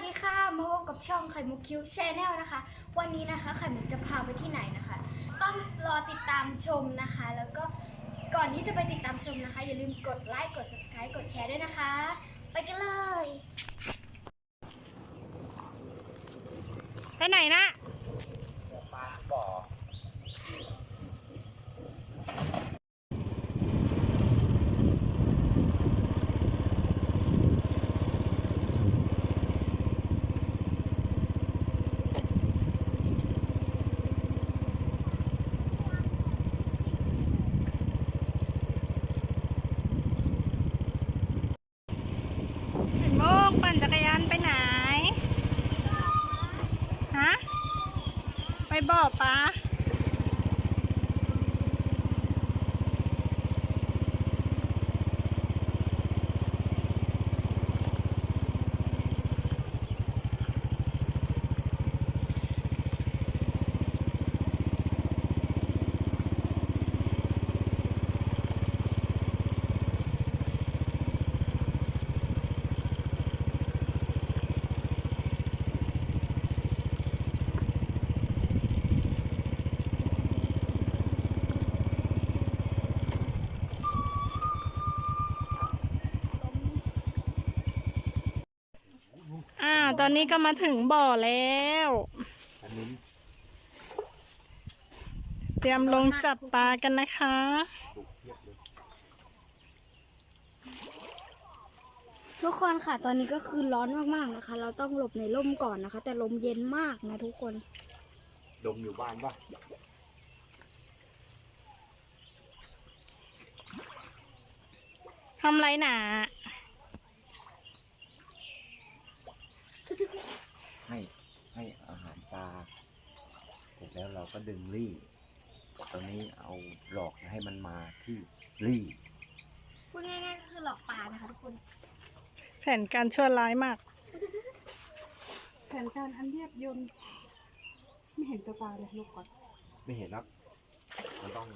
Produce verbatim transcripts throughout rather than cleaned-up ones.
ดีค่ะมาพบกับช่องไข่มุกคิวแชนแนลนะคะวันนี้นะคะไข่มุกจะพาไปที่ไหนนะคะ ต้องรอติดตามชมนะคะ แล้วก็ก่อนที่จะไปติดตามชมนะคะอย่าลืมกดไลค์กด ซับสไครบ์ กดแชร์ด้วยนะคะ ไปกันเลยไปไหนนะปลาบ่อโมกปั่นจักรยานไปไหนฮะไปบ่อปลาอ่าตอนนี้ก็มาถึงบ่อแล้วเตรียมลงจับปลากันนะคะทุกคนค่ะตอนนี้ก็คือร้อนมากๆนะคะ เราต้องหลบในร่มก่อนนะคะ แต่ลมเย็นมากนะทุกคนดมอยู่บ้านป่ะทำไรหนาให้ให้อาหารปลาเสร็จแล้วเราก็ดึงรี่ตอนนี้เอาหลอกให้มันมาที่รี่พูดง่ายๆก็คือหลอกปลานะคะทุกคนแผนการชั่วร้ายมากแผนการอันเรียบยนต์ไม่เห็นตัวปลาเลยลูกก่อนไม่เห็นครับมันต้อง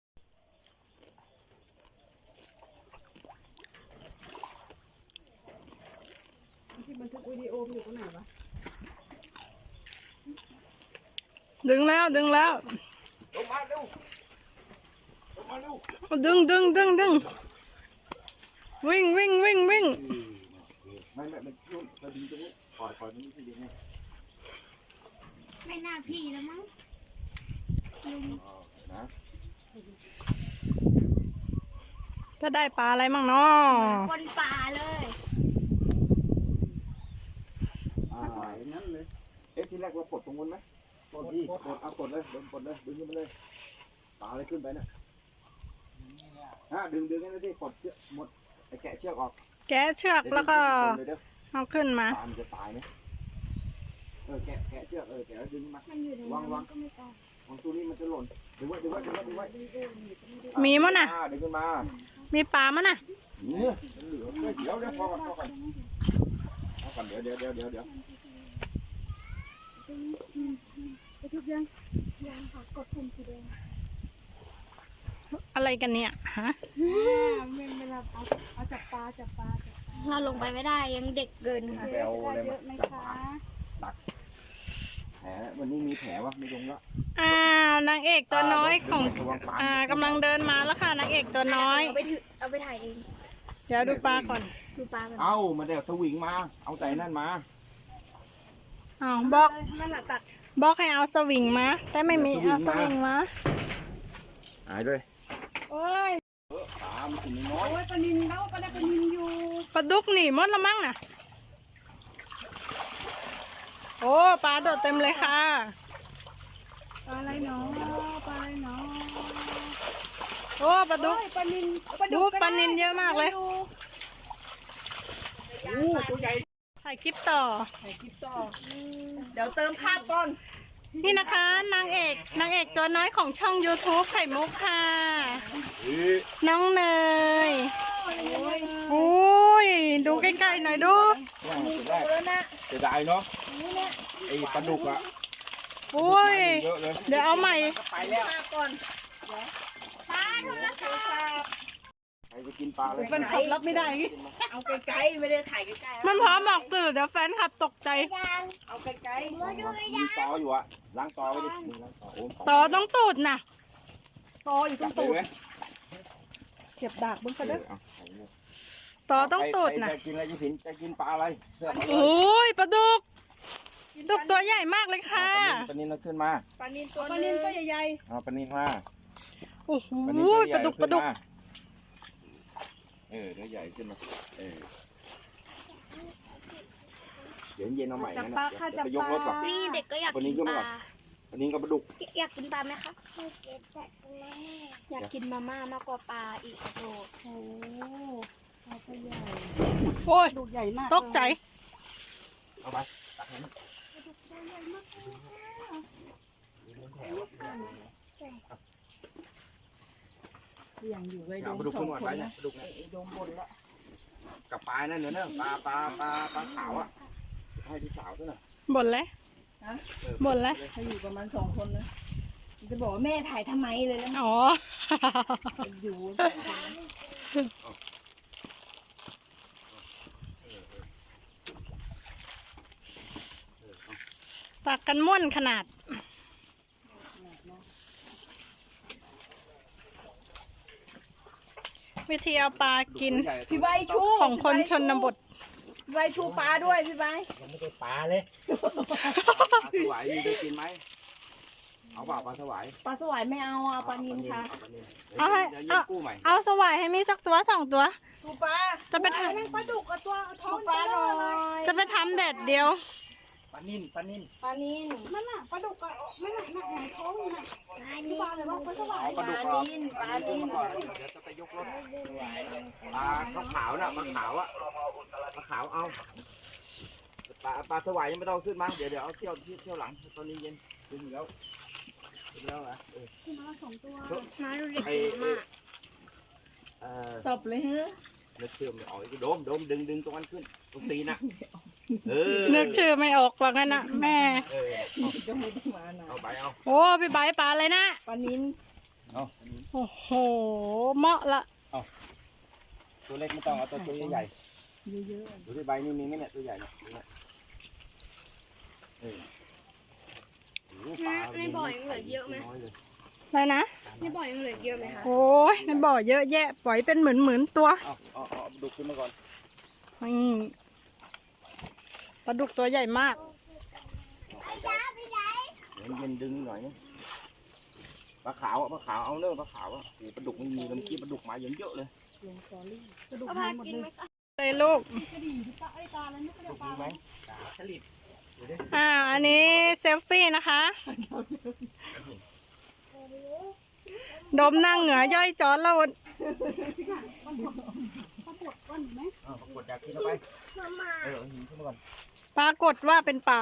ที่บันทึกวิดีโออยู่ตรงไหนวะดึงแล้วดึงแล้วลงมาเร็วลงมาเร็วดึงดึงดึงดึงวิ่งวิ่งวิ่งวิ่งไม่ไม่ไม่ยุ่งเราดึงตรงนี้ปล่อยปล่อยตรงนี้ที่ดึงให้ไม่น่าพี่แล้วมั้งนะจะได้ปลาอะไรมั่งเนาะคนปลาเลยอ่าอย่างนั้นเลยเอ๊ะทีแรกเราปลดตรงนู้นไหมปลดดิปลดเอาปลดเลยดึงปลดเลยดึงขึ้นไปเลยปลาอะไรขึ้นไปเนี่ยฮะดึงดึงให้ได้ที่ปลดเชือกหมดไอ้แกะเชือกออกแกะเชือกแล้วก็เอาขึ้นมาปลามันจะตายไหมเออแกะแกะเชือกเออแกะแล้วดึงมามันอยู่ในน้ำก็ไม่ตายวางตัวนี้มันจะหล่นดึงไว้ดึงไว้ดึงไว้ดึงไว้มีมั้งน่ะดึงขึ้นมามีปลามั้งน่ะเนี่ยเหลือเดี๋ยวเดี๋ยวพอก่อนพอก่อนพอก่อนเดี๋ยวเดี๋ยวเดี๋ยวเดี๋ยวเดี๋ยวไปทุกยังยังค่ะกดปุ่มสีแดงอะไรกันเนี่ยฮะเวลาเอาเอาจับปลาจับปลาจับปลาเราลงไปไม่ได้ยังเด็กเกินค่ะแผลเยอะไหมคะตักแผลวันนี้มีแผลวะไม่ลงละอ้าวนางเอกตัวน้อยของอ่ากำลังเดินมาแล้วค่ะนางเอกตัวน้อยเอาไปถือเอาไปถ่ายเองเดี๋ยวดูปลาก่อนดูปลาก่อนเอามาเดี๋ยวสวิงมาเอาใจนั่นมาอ้าวบอกนั่นแหละตัดบอกให้เอาสวิงมาแต่ไม่มีเอาสวิงมาหายด้วยโอ้ยปลามันกินน้อยโอ้ยปลานินแล้วปลาได้ปลานินอยู่ปลาดุกหนีหมดละมั้งน่ะโอ้ปลาโดดเต็มเลยค่ะปลาอะไรเนาะปลาอะไรเนาะโอ้ปลาดุกปลานินปลาดุกปลานินเยอะมากเลยโอ้ตัวใหญ่ถ่ายคลิปต่อถ่ายคลิปต่อเดี๋ยวเติมภาพก่อนนี่นะคะนางเอกนางเอกตัวน้อยของช่อง ยูทูบ ไข่มุกค่ะน้องเนยโอ้ยดูใกล้ๆหน่อยดูเสียดายเนาะไอ้ปลาดุกอะโอ้ยเดี๋ยวเอาใหม่ไปแล้วก่อนปลาโทรศัพท์รจะกินปลาเลยแฟนคลับรับไม่ได้เอาไกลๆไม่ได้ถ่ายใกล้ๆมันพร้อมออกตื่นเดี๋ยวแฟนคลับตกใจเอาไกลมีตออยู่อะล้างตอไว้ดิมีล้างตอโอ้ยต่อต้องตูดนะตออยู่ตรจับงเลตูยดไหมเก็บดากบนกเอระเด้ออเอาใส่เลยต่อต้องตูดนะใครจะกินอะไรจะผินจะกินปลาอะไรเสื้อมาเลยโอ้ยปลาดุกดุกตัวใหญ่มากเลยค่ะปลานินเราขึ้นมาๆปลานินตัวปลานึนินงตัวใหญ่เอาปลานินมาโอ้โหปลานินตัวใหปญ่ลาดุกปขึ้ลาน ดุกมาเออเนื้อใหญ่ขึ้นมาเออเดี๋ยวเย็นเอาใหม่จับนะปลาค่ะจับไปยปกรถก่อนลานี่เด็กก็อยากวันนี้กินก็ปมาลาปลานินกับปลาดุกอยากกินปลาไหมคะอยากกินมาม่ามากกว่าปลาอีกโดดโอ้ปลาตัวใหญ่โอ้ยดูใหญ่มากตกใจเอาไปตักให้มันอย่างอยู่เลยเอาปลาดุกขึ้นก่อนไปเนี่ยปลาดุกเนี่ยโดมบนแล้วกับปลานั่นเนื้อเนื้อปลาปลาปลาปลาขาวอ่ะให้ที่สาวด้วยนะบ่นเลยเออบ่นเลยเขาอยู่ประมาณสองคนนะจะบอกว่าแม่ถ่ายทำไมเลยแล้วอ๋ออยู่สองคนนะตักกันม่วนขนาด วิธีเอาปลากินพี่ใบชูของคนชนบทพี่ใบชูปลาด้วยพี่ใบยังไม่ได้ปลาเลยปลาสวายมีได้กินไหมเอาเปล่าปลาสวายปลาสวายไม่เอาเอาปลานินค่ะเอาปลานินเอาให้เดี๋ยวเดี๋ยวเอาเย็นกู้ใหม่เอาสวายให้มีสักตัวสองตัวชูปลาจะไปทนั่งปลาดุกกับตัวท้อชูงปลาหน่อยำจะไปทำแดดเดียวปลานิ่นปลานิ่นปลานินนั่นน่ะปลาดุกอะไม่หนักหนักหนักท้องอยู่น่ะที่บ้านเลยว่าปลาสวาเอายปลาดุกปก่ลาอนนินปลาปลานินิ่นนก่อนเดี๋ยวจะไปยกรถปลาขาวๆน่ะปลาขาวอะปลาขาวเอาปลาปลาสวายยังไม่ต้องขึ้นมาเดี๋ยวเดี๋ยวเอาเที่ยวเที่ยวเที่ยวหลังตอนนี้เย็นขึ้นอยู่แล้วขึ้นแล้วเหรอเออที่มาสองตัวมาดูเด็กไอ้กินมากเออศพเลยเฮ้ยเลือดเชื่อมออกอีกโดมโดมดึงดึงตรงนั้นขึ้นตรงตีนน่ะเออนึกชื่อไม่ออกว่างั้นนะแม่เออจะไม่ได้มาหน่อยเอาไปเอาโอ้พี่ใบร์ทปลาอะไรนะปลานินเอาโอ้โหเหมาะละตัวเล็กไม่ต้องเอาตัวตัวใหญ่เยอะๆดูที่ใบนี่มีไหมเนี่ยตัวใหญ่เนี่ยเนี่ยเออโอ้โหปลาในบ่อยังเหลือเยอะไหมน้อยเลยอะไรนะในบ่อยังเหลือเยอะไหมคะโอ้ยในบ่อเยอะแยะ ปล่อยเป็นหมื่นหมื่นๆตัวเอาเอาเอาเอาดุกขึ้นมาก่อนนี่ปลาดุกตัวใหญ่มากเดี๋ยวเย็นดึงหน่อยนะปลาขาวอะปลาขาวเอาเนื้อะปลาขาวอะโอ้โหปลาดุกมันมีน้ำจิ้มปลาดุกมาเยอะเยอะๆเลยกระดูกเอาหาพายหมดกินเลยไหมคะเลยลูกกระดิ่งที่ปลาไอ้ปลาอะไรไม่กระดุดูกกปลามีไหมฉลิดอ่า อันนี้เซลฟี่นะคะ ดมนั่งเหงือย่อยจอดแล้วปลาปวดก้อนอยู่ไหมเอาปรากฏอยากกินเอาไปเออเอาหินขึ้นมาก่อนปรากฏว่าเป็นป่า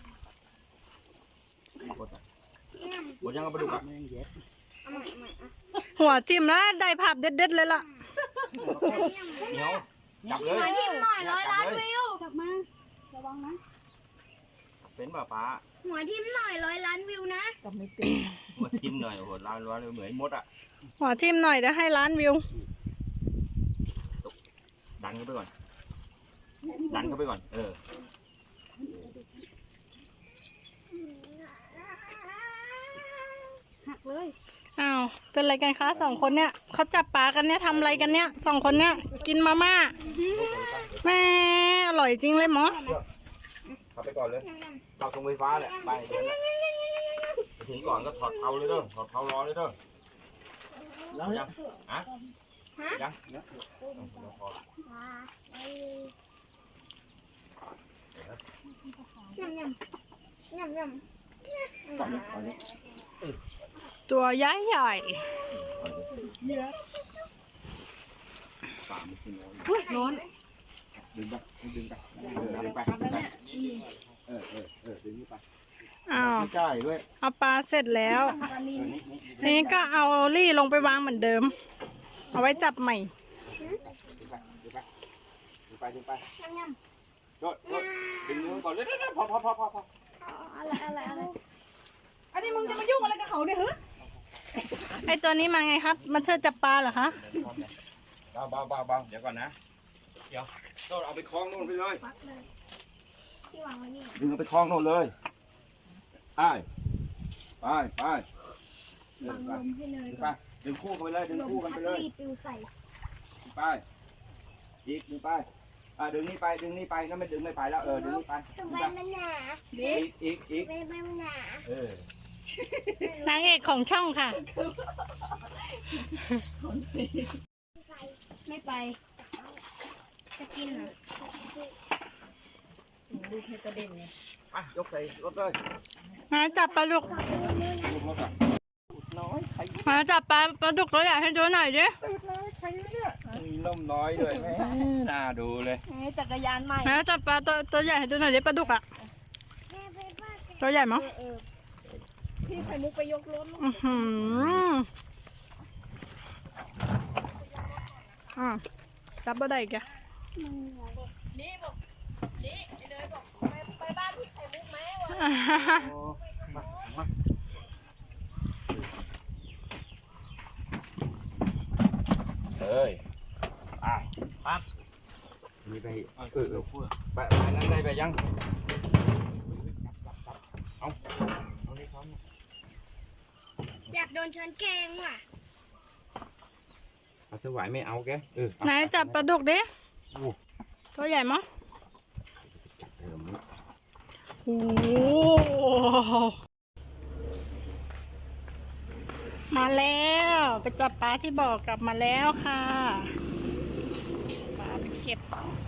ปรากฏอะหมดยังเอาปลาดุกอะเอาใหม่เอาใหม่อ่ะหัวจิ้มแล้วได้ภาพเด็ดๆเลยล่ะเหนียวจับเลยหัวทิ่มหน่อยร้อยล้านวิวจับมาระวังนะเป็นป่าป้าหัวทิ่มหน่อยร้อยล้านวิวนะๆกับไม่เป็นหัวจิ้มหน่อยโอ้โหร้านร้านเหมือนมดอะหัวจิ้มหน่อยเดี๋ยวให้ล้านวิวดันเข้าไปก่อน ดันเข้าไปก่อน เออหักเลยอ้าว เป็นอะไรกันคะสองคนเนี่ยเขาจับปลากันเนี่ยทำอะไรกันเนี่ยสองคนเนี่ยกินมาม่าแม่อร่อยจริงเลยหมอเข้าไปก่อนเลยเข้าตรงไฟฟ้าแหละไปเดี๋ยวนะไปถึงก่อนก็ถอดเท้าเลยเด้อ ถอดเท้ารอเลยเด้อแล้วยังฮะยังเนี่ยพอละยำยำยำยำก่อนนี้ก่อนนี้ตัวใหญ่ใหญ่สามกิโลอุ้ยร้อนดึงไปดึงไปเออดึงไปเออเออเออดึงนี่ไปอ้าวใกล้ด้วยเอาปลาเสร็จแล้วปลานิเอน อนี่นี่ทีนี้ก็เอาลี่ลงไปวางเหมือนเดิม เอาไว้จับใหม่ดึงไปดึงไปดึงไปดึงไปโดดโดดดึงมือก่อนเลยเด้อพอพอพอพอพออะไรอะไรอะไรอันนี้มึงจะมายุ่งอะไรกับเขาเนี่ยเหรอไอตัวนี้มาไงครับ มันเชิดจับปลาเหรอคะไปเบาเบาเบาเบาเดี๋ยวก่อนนะ เดี๋ยวโน่นเอาไปคล้องโน่นไปเลยปักเลยที่วางไว้นี่ดึงเอาไปคล้องโน่นเลยไปไปไปเดิบันงไปลมให้เลยดึงก่ไปอนดึงคู่กันไปเลยดึงลมคู่กันพัไปดเลยรีดปิวใส่ดึงไปอีกดึงไปอ่าดึงนี่ไปดึงนี่ไปนั่นไม่ดึงไม่ไปแล้วเออดึงนี่ไปทำไมมันหนาอีกอีกอีกทำไมมันหนาเออนางเอกของช่องค่ะไม่ไป จะกินเหรอลูกให้กระเด็นเลยอ่ะยกใส่รถเลยมาจับปลาดุกลูกรถอ่ะน้อยใครมาจับปลาปลาดุกตัวใหญ่ให้ดูหน่อยดิมีนมน้อยด้วยแม่น่าดูเลยนี่จักรยานใหม่มาจับปลาตัวตัวใหญ่ให้ดูหน่อยดิปลาดุกอ่ะ ตัวใหญ่มั้งเออพี่ไข่มุกไปยกรถลูกอือหืออ่าจับปลาได้อีกอ่ะนี่บอกนี่ไอ้เนยบอกไปไปบ้านพี่ไข่มุกไหมวะโอ้มามาเฮ้ยอ่ะปั๊บมีไปเออเออไปไปนั่นได้ไปยังเอาเอานี่เขาอยากโดนช้อนแกงว่ะเอาสวายไม่เอาแกเออไหนจับปลาดุกดิโอ้ตัวใหญ่มั้งจับเดิมนะโอ้มาแล้วไปจับปลาที่บ่อกลับมาแล้วค่ะปลาไปเก็บ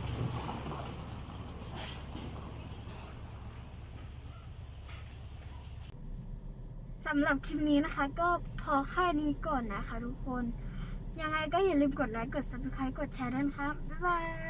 สำหรับคลิปนี้นะคะ ก็พอแค่นี้ก่อนนะคะทุกคน ยังไงก็อย่าลืมกดไลค์ กด ซับสไครบ์ กดแชร์ด้วยนะคะ บ๊ายบาย